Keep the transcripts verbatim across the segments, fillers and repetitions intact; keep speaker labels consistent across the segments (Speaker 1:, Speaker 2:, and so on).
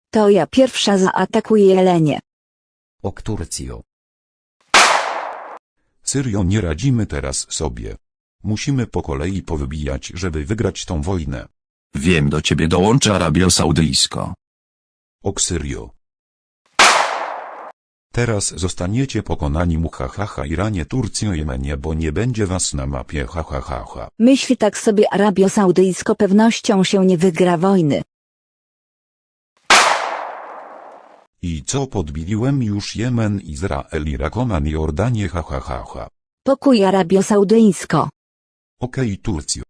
Speaker 1: To ja pierwsza zaatakuję Jelenie.
Speaker 2: Ok Turcjo.
Speaker 3: Syrio, nie radzimy teraz sobie. Musimy po kolei powybijać, żeby wygrać tą wojnę.
Speaker 4: Wiem, do ciebie dołączy Arabio Saudyjsko.
Speaker 3: Ok Syrio. Teraz zostaniecie pokonani mu ha ha ha Iranie, Turcjo, Jemenie, bo nie będzie was na mapie ha ha ha ha.
Speaker 1: Myśli tak sobie Arabio Saudyjsko, pewnością się nie wygra wojny.
Speaker 3: I co, podbiliłem już Jemen, Izrael, Irak, Oman, Jordanię, ha ha ha ha.
Speaker 1: Pokój Arabio Saudyjsko.
Speaker 3: Okej, Turcjo.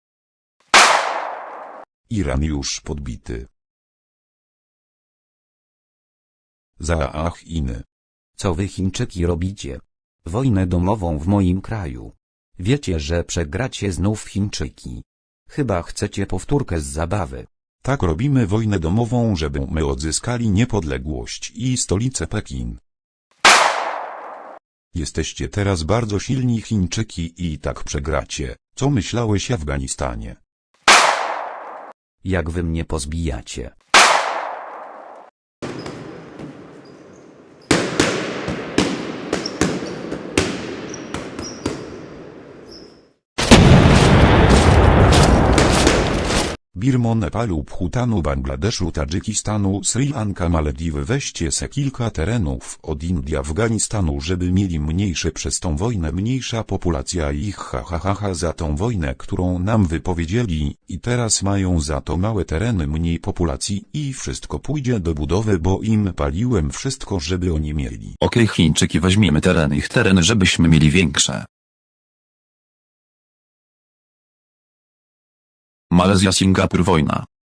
Speaker 3: Iran już podbity. Zaah Chiny.
Speaker 2: Co wy Chińczyki robicie? Wojnę domową w moim kraju. Wiecie, że przegracie znów Chińczyki. Chyba chcecie powtórkę z zabawy.
Speaker 3: Tak, robimy wojnę domową, żeby my odzyskali niepodległość i stolicę Pekin. Jesteście teraz bardzo silni Chińczyki i tak przegracie. Co myślałeś, Afganistanie?
Speaker 2: Jak wy mnie pozbijacie?
Speaker 3: Birmo, Nepalu, Bhutanu, Bangladeszu, Tadżykistanu, Sri Lanka, Malediwy. Weźcie se kilka terenów od Indii, Afganistanu, żeby mieli mniejsze przez tą wojnę, mniejsza populacja ich ha ha ha ha za tą wojnę, którą nam wypowiedzieli, i teraz mają za to małe tereny, mniej populacji i wszystko pójdzie do budowy, bo im paliłem wszystko, żeby oni mieli.
Speaker 4: Okej, Chińczyki, weźmiemy tereny, ich tereny, żebyśmy mieli większe. Malezja, Singapur, wojna.